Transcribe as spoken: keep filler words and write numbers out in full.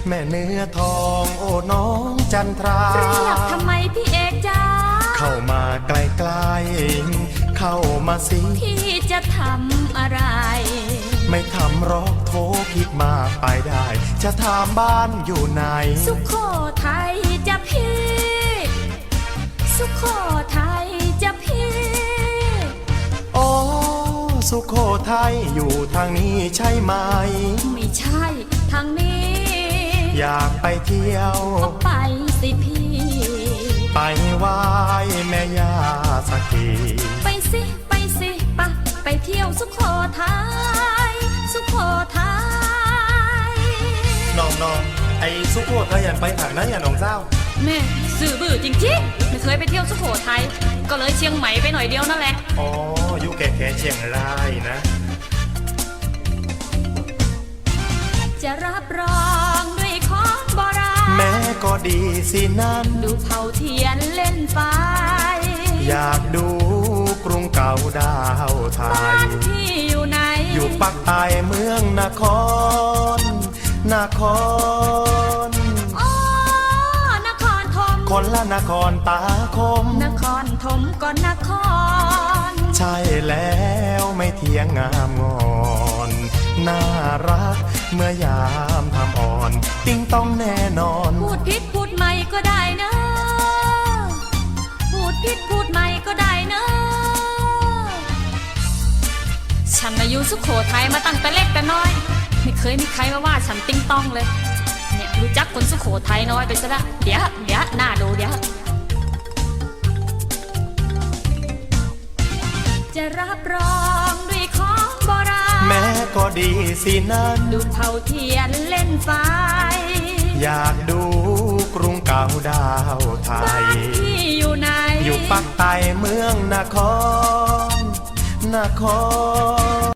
แม่เนื้อทองโอ้น้องจันทราเรียกทำไมพี่เอกจ้าเข้ามาใกล้ๆเข้ามาสิพี่จะทำอะไรไม่ทำหรอกโทรคิดมากไปได้ จะถามบ้านอยู่ไหนสุโขทัยจะพี่สุโขทัยจะพี่โอ้สุโขทัยอยู่ทางนี้ใช่ไหมไม่ใช่ทางนี้อยากไปเที่ยวก็ไปสิพี่ไปไหว้แม่ย่าสักทีไปสิไปสิปะไปเที่ยวสุโขทัยสุโขทัยน้องน้องไอ้สุโขทัยอยากไปทางนั้นอย่าน้องเจ้าแม่สื่อบื้อจริงๆไม่เคยไปเที่ยวสุโขทัยก็เลยเชียงใหม่ไปหน่อยเดียวนั่นแหละอ๋ออยู่แก่แค่เชียงรายนะจะรับรองด้วยของโบราณแม้ก็ดีสินั้นดูเผาเทียนเล่นไฟอยากดูกรุงเก่าดาวไทยบ้านพี่อยู่ไหนอยู่ปักใต้เมืองนครนครอ๋อนครธมคนละนครตาคมนครธมก็นครใช่แล้วไม่เทียงงามงอนน่ารักเมื่อยามทำอ่อนติ้งต้องแน่นอนพูดผิดพูดใหม่ก็ได้นะพูดผิดพูดใหม่ก็ได้นะฉันอายุสุโขทัยมาตั้งแต่เล็กแต่น้อยไม่เคยมีใครมาว่าฉันติ้งต้องเลยเนี่ยรู้จักคนสุโขทัยน้อยไปซะละเดี๋ยวเดี๋ยวหน้าดูเดี๋ยวจะรับรองด้วยของโบราณแม้ก็ดีสินั้นดูเผาเทียนเล่นไฟอยากดูกรุงเก่าดาวไทยบ้านพี่อยู่ไหนอยู่ปักใต้เมืองนครนคร